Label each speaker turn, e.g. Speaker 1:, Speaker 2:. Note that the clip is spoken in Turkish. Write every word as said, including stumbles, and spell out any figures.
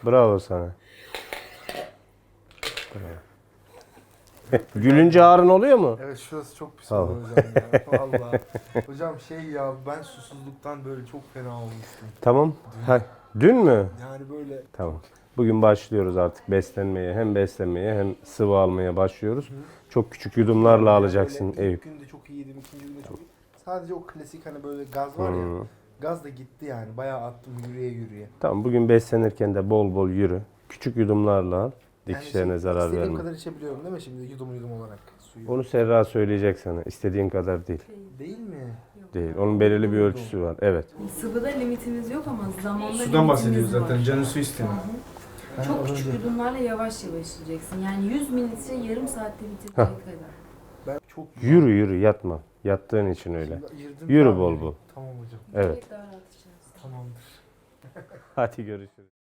Speaker 1: Bravo sana. Bravo. Gülünce ağrın oluyor mu?
Speaker 2: Evet, şurası çok pis
Speaker 1: Tamam.
Speaker 2: oldu hocam ya. Vallahi. Hocam şey ya, ben susuzluktan böyle çok fena olmuştum.
Speaker 1: Tamam. Ha, dün mü?
Speaker 2: Yani böyle
Speaker 1: Tamam. Bugün başlıyoruz artık beslenmeye. Hem beslenmeye hem sıvı almaya başlıyoruz. Çok küçük yudumlarla
Speaker 2: yani
Speaker 1: alacaksın
Speaker 2: böyle
Speaker 1: Eyüp.
Speaker 2: ilk günde çok iyiydim, ikinci günde çok iyi. Sadece o klasik hani böyle gaz var ya.
Speaker 1: Hmm.
Speaker 2: Gaz da gitti yani. Bayağı attım yürüye yürüye.
Speaker 1: Tamam, bugün beslenirken de bol bol yürü. Küçük yudumlarla al. Dikişlerine
Speaker 2: şey,
Speaker 1: zarar
Speaker 2: istediğim
Speaker 1: verme.
Speaker 2: kadar içebiliyorum değil mi şimdi yudum yudum olarak suyu?
Speaker 1: Onu Serra söyleyecek sana. İstediğin kadar değil.
Speaker 2: Değil mi?
Speaker 1: Değil. Onun belirli bir ölçüsü var. Evet.
Speaker 3: Sıvıda limitimiz yok ama zamanda
Speaker 2: Sudan
Speaker 3: limitimiz
Speaker 2: bahsediyoruz
Speaker 3: var.
Speaker 2: zaten. Canı su istemiyor.
Speaker 3: Hı hı. Çok küçük yudumlarla yavaş yavaş içeceksin. Yani yüz mililitre yarım saatte bitirecek
Speaker 1: Hah.
Speaker 3: kadar.
Speaker 2: Ben çok
Speaker 1: Yürü yürü, yatma. Yattığın için öyle.
Speaker 2: Şimdi ayırdım
Speaker 1: Yürü
Speaker 2: abi.
Speaker 1: bol bol.
Speaker 2: Tamam hocam.
Speaker 1: Evet.
Speaker 3: Daha rahat içersin.
Speaker 2: Tamamdır.
Speaker 1: Hadi görüşürüz.